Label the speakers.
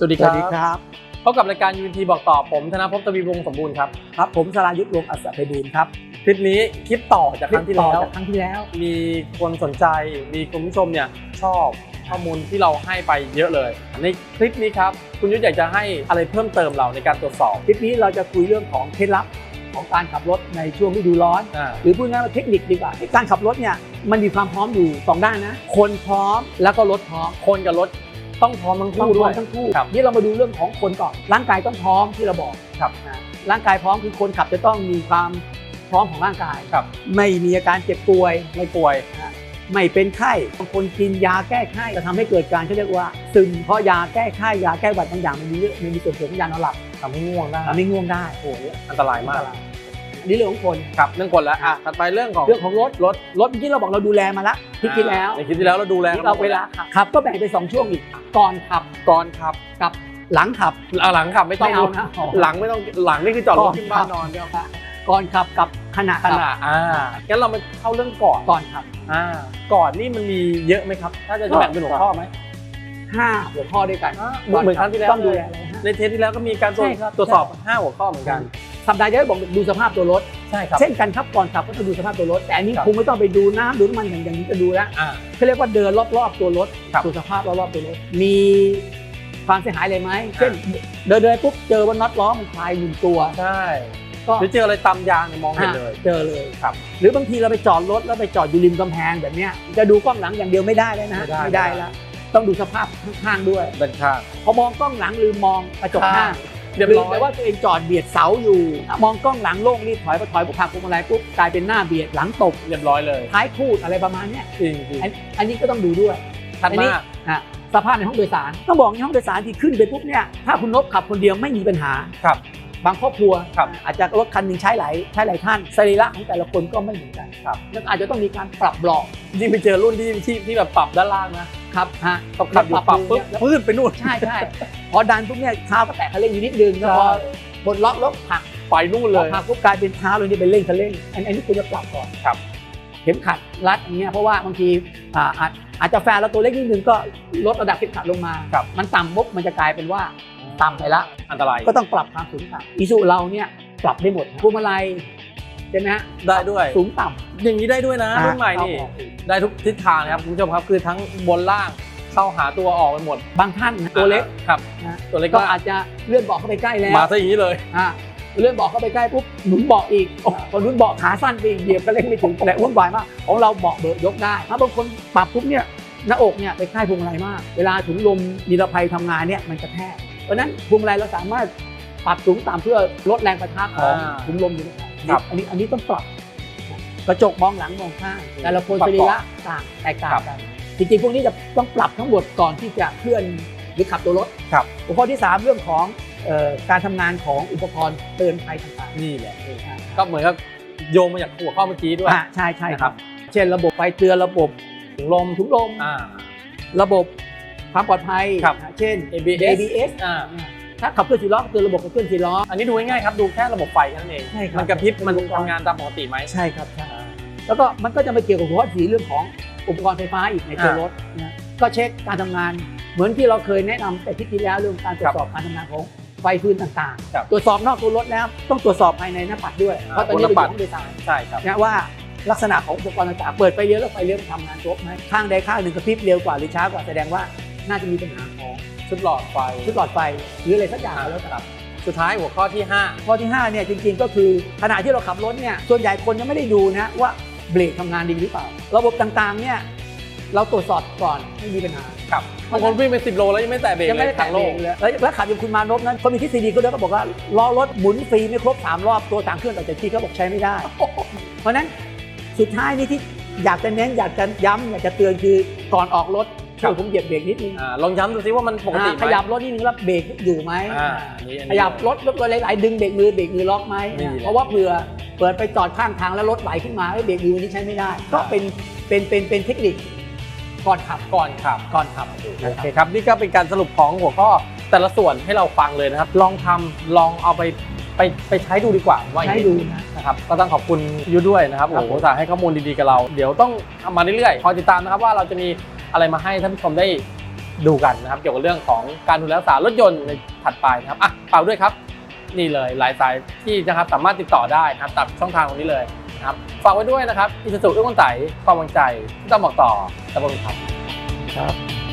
Speaker 1: วัสดีครับพบกับรายการ UNT บอกต่อผมธนภพ ทวีวงศ์สมบูรณ์ครับ
Speaker 2: ผมสรายุทธ วงศ์อัศไพบูลย์ครับ
Speaker 1: คลิปนี้คลิปต่อจากครั้งที่แล้วมีคนสนใจมีคุณผู้ชมเนี่ยชอบข้อมูลที่เราให้ไปเยอะเลยในคลิปนี้ครับคุณยุทธอยากจะให้อะไรเพิ่มเติมเราในการตรวจสอบ
Speaker 2: คลิปนี้เราจะคุยเรื่องของเคล็ดลับของการขับรถในช่วงฤดูร้อนหรือพูดง่ายๆว่าเทคนิคดีกว่าการขับรถเนี่ยมันมีความพร้อมอยู่2ด้านนะคนพร้อมแล้วก็รถพร้อม
Speaker 1: คนกับรถต้องพร้อมทั้งคู่ด้วย
Speaker 2: ทั้งคู่นี่เรามาดูเรื่องของคนก่อนร่างกายต้องพร้อมที่เราบอก
Speaker 1: ครับ
Speaker 2: ร่างกายพร้อมคือคนขับจะต้องมีความพร้อมของร่างกาย
Speaker 1: ครับ
Speaker 2: ไม่มีอาการเจ็บป่วย
Speaker 1: ไม่ป่วย
Speaker 2: ไม่เป็นไข้บางคนกินยาแก้ไข้จะทำให้เกิดการเขาเรียกว่าซึมเพราะยาแก้ไข้ยาแก้หวัดบางอย่างมันมีส่วนผสมของยานอนหลับ
Speaker 1: ทำให้ง่วง
Speaker 2: ได้
Speaker 1: โอ้โหอันตรายมาก
Speaker 2: นี่เรื่องของคน
Speaker 1: ครับเรื่องคนแล้วถัดไปเรื่องของ
Speaker 2: รถเมื่อกี้เราบอกเราดูแลมาแล้วคลิปที่แล้ว
Speaker 1: เราดูแล
Speaker 2: เราเวลาขับก็แบ่งเป็น2ช่วงอีกก่อนขับกับหลังขับ
Speaker 1: หลังขับไม่ต้อง
Speaker 2: นะ
Speaker 1: หลังไม่ต้องหลังนี่คือจอดรถขึ้นบ้านนอนเดียว
Speaker 2: ก่อนขับกับขณะ
Speaker 1: งั้นเรามาเข้าเรื่องก่อน
Speaker 2: ขับ
Speaker 1: ก่อนนี่มันมีเยอะไหมครับถ้าจะแบ่งเป็นหัวข้อไหม
Speaker 2: 5 หัวข้อด้วยกัน
Speaker 1: เหมือนครั้งที่แล้วต้องดูแลในเทปที่แล้วก็มีการตรวจสอบ5 หัวข้อเหมือนกัน
Speaker 2: สัปดาห์ที่แล้วบอกดูสภาพตัวรถ
Speaker 1: ใช่ครับ
Speaker 2: เช่นกันครับก่อนขับก็ต้องดูสภาพตัวรถแต่อันนี้คงไม่ต้องไปดูน้ำดูน้ำมันอย่างนี้จะดูแล้วเขาเรียกว่าเดินรอบๆตัวรถดูสภาพรอบๆตัวรถมีความเสียหายอะไรไหมเช่นเดินปุ๊บเจอว่าน็อตล้อมันคลาย1 ตัว
Speaker 1: ใช่หรือเจออะไรตำยางมองเห็นเลย
Speaker 2: เจอเลยครับหรือบางทีเราไปจอดรถแล้วไปจอดอยู่ริมกำแพงแบบนี้จะดูกล้องหลังอย่างเดียวไม่ได้เลยนะไม่ได้แล้วต้องดูสภาพข้างๆด้วย
Speaker 1: ด้านข้าง
Speaker 2: พอมองกล้องหลังหรือมองกระจกหน้าลืมไปว่าตัวเองจอดเบียดเสาอยู่มองกล้องหลังโล่งรีบถอยผักพวงมาลัยปุ๊บกลายเป็นหน้าเบียดหลังตก
Speaker 1: เรียบร้อยเลย
Speaker 2: ท้ายคูดอะไรประมาณนี้
Speaker 1: จริง
Speaker 2: อันนี้ก็ต้องดูด้วย
Speaker 1: ถัดมา
Speaker 2: สภาพในห้องโดยสารต้องบอกในห้องโดยสารที่ขึ้นไปปุ๊บเนี่ยถ้าคุณนพขับคนเดียวไม่มีปัญหา
Speaker 1: ครับ
Speaker 2: บางครอบครัวอาจจะรถคันหนึ่งใช้หลายท่านสรีระของแต่ละคนก็ไม่เหมือนกัน
Speaker 1: ครับ
Speaker 2: นั่นอาจจะต้องมีการปรับเบาะ
Speaker 1: ยิ่งไปเจอรุ่นที่แบบปรับด้านล่าง
Speaker 2: นะครับ
Speaker 1: ขับอยู่ปรับปุ๊บพื้นไปนู่น
Speaker 2: ใช่พอดันปุ๊บเนี่ยเท้าก็แตะคันเร่งอยู่นิดนึงแล้วพอบนล็อกรถผัก
Speaker 1: ไปนู่นเลย
Speaker 2: ผักปุ๊บกลายเป็นเท้าเลยนี่เป็นเร่งคันเร่งอันนี้คุณจะปรับก่อน
Speaker 1: ครับ
Speaker 2: เข็มขัดรัดอย่างเงี้ยเพราะว่าบางทีอาจจะแฟนเราตัวเล็กนิดนึงก็ลดระดับเข็มขัดลงมามันต่ำปุ๊บมันจะกลายเป็นว่าต่ำไปละ
Speaker 1: อันตราย
Speaker 2: ก็ต้องปรับความสูงต่ำอิซูเราเนี่ยปรับได้หมดพวงมาลัยใช่ไหมฮะ
Speaker 1: ได้ด้วย
Speaker 2: สูงต่ำ
Speaker 1: อย่างนี้ได้ด้วยนะรุ่นใหม่นี่ได้ทุกทิศทางนะครับคุณผู้ชมครับคือทั้งบนล่างเข้าหาตัวออกไปหมด
Speaker 2: บางท่านตัวเล็ก
Speaker 1: ครับ
Speaker 2: ตัวเล็กก็อาจจะเลื่อนเบาะเข้าไปใกล้แล้ว
Speaker 1: มาซะอย่างนี้เลย
Speaker 2: เลื่อนเบาะเข้าไปใกล้ปุ๊บหนุนเบาะอีกพอหนุนเบาะขาสั้นไปเหยียบก็เล่นไม่ถึงแต่วุ่นวายมากของเราเบาะเบิกยกได้ถ้าบางคนปรับปุ๊บเนี่ยหน้าอกเนี่ยไปใกล้พวงมาลัยมากเวลาถุงลมนิรภัยทำงานเนี่ยมันจะแทกเพราะนั้นพวงมาลัยเราสามารถปรับสูงต่ำเพื่อลดแรงประทะของถุงลมอยู่นะครับอันนี้ต้องปรับกระจกมองหลังมองข้างแต่ละคนสรีระต่างแตกต่างกันจริงๆพวกนี้จะต้องปรับทั้งหมดก่อนที่จะเคลื่อนหรือขับตัวรถหัวข้อที่3เรื่องของการทำงานของอุปกรณ์เตือนภัยต่าง
Speaker 1: ๆนี่แหละก็เหมือนกับโยงมาจากหัวข้อเมื่อกี้ด้วย
Speaker 2: ใช่ครับเช่นระบบไฟเตือนระบบถุงลมระบบความปลอดภัยเช่น ABS ถ้าขับเคลื่อน4 ล้อเตือนระบบขับเคลื่อน4 ล้อ
Speaker 1: อันนี้ดูง่ายๆครับดูแค่ระบบไฟแค่นั้นเองมันกระพริบมันทำงานตามปกติไหม
Speaker 2: ใช่ครับแล้วก็มันก็จะไปเกี่ยวกับหัวข้อ4เรื่องของอุปกรณ์ไฟฟ้าอีกในตัวรถนะก็เช็คการทำงานเหมือนที่เราเคยแนะนำแต่ที่แล้วเรื่องการตรวจสอบการทำงานของไฟพื้นต่างๆตรวจสอบนอกตัวรถแล้วต้องตรวจสอบภายในหน้าปัดด้วยเพราะตอนนี้เราอยู่ห้องโดยสาร
Speaker 1: ใช่ครับ
Speaker 2: นะว่าลักษณะของอุปกรณ์ต่างๆเปิดไฟเลี้ยวแล้วไฟเลี้ยวทำงานครบไหมข้างใดข้างหนึ่งกระพริบเร็วกว่าหรือช้ากว่าแสดงว่าน่าจะมีปัญหาของ
Speaker 1: ชุดหลอดไฟ
Speaker 2: หรืออะไรสักอย่างแล้ว
Speaker 1: ครับสุดท้ายหัวข้อที่
Speaker 2: 5เนี่ยจริงๆก็คือขณะที่เราขับรถเนี่ยส่วนใหญ่คนยังไม่ได้ดูนะว่าเบรกทำงานดีหรือเปล่าระบบต่างๆเนี่ยเราตรวจสอบก่อนไม่มีปัญหา
Speaker 1: ครับบางคนวิ่งไป10 โลแล้วยังไม่แตะเบรกเลยทางโลก
Speaker 2: แล้วขับอย่างคุณมานพนั้นคนมีทฤษฎีก็บอกว่าล้อรถหมุนฟรีไม่ครบ3 รอบตัวต่างเครื่องต่อจากที่เขาบอกใช้ไม่ได้เพราะนั้นสุดท้ายนี่ที่อยากจะเน้นอยากจะย้ำอยากจะเตือนคือก่อนออกรถผมเหยียบเบรกนิดนึง
Speaker 1: ลองย้ำดูซิว่ามันปกติไหม
Speaker 2: ขยับรถนิดนึงแล้วเบรกอยู่ไหมขยับรถตัวหลายๆดึงเบรกมือล็อกไหมเพราะว่าเผื่อเปิดไปจอดข้างทางแล้วรถไหลขึ้นมาเบรกมือนี้ใช้ไม่ได้ก็เป็นเทคนิคก่อนขับ
Speaker 1: โอเคครับนี่ก็เป็นการสรุปของหัวข้อแต่ละส่วนให้เราฟังเลยนะครับลองเอาไปใช้ดูดีกว่าว่าใช้ดูนะครับก็ต้องขอบคุณยูด้วยนะครับโอ้โหสาให้ข้อมูลดีๆกับเราเดี๋ยวต้องทำมาเรื่อยๆคอยติดตามนะครับว่าเราจะมีอะไรมาให้ท่านผู้ชมได้ดูกันนะครับเกี่ยวกับเรื่องของการดูแลรักษารถยนต์ในถัดไปนะครับฝากด้วยครับนี่เลยหลายสายที่นะครับสามารถติดต่อได้นะครับตัดช่องทางตรงนี้เลยนะครับฝากไว้ด้วยนะครับอิสุสุเอื้อมไต่ความวางใจที่ต้องบอกต่อตะบนครับ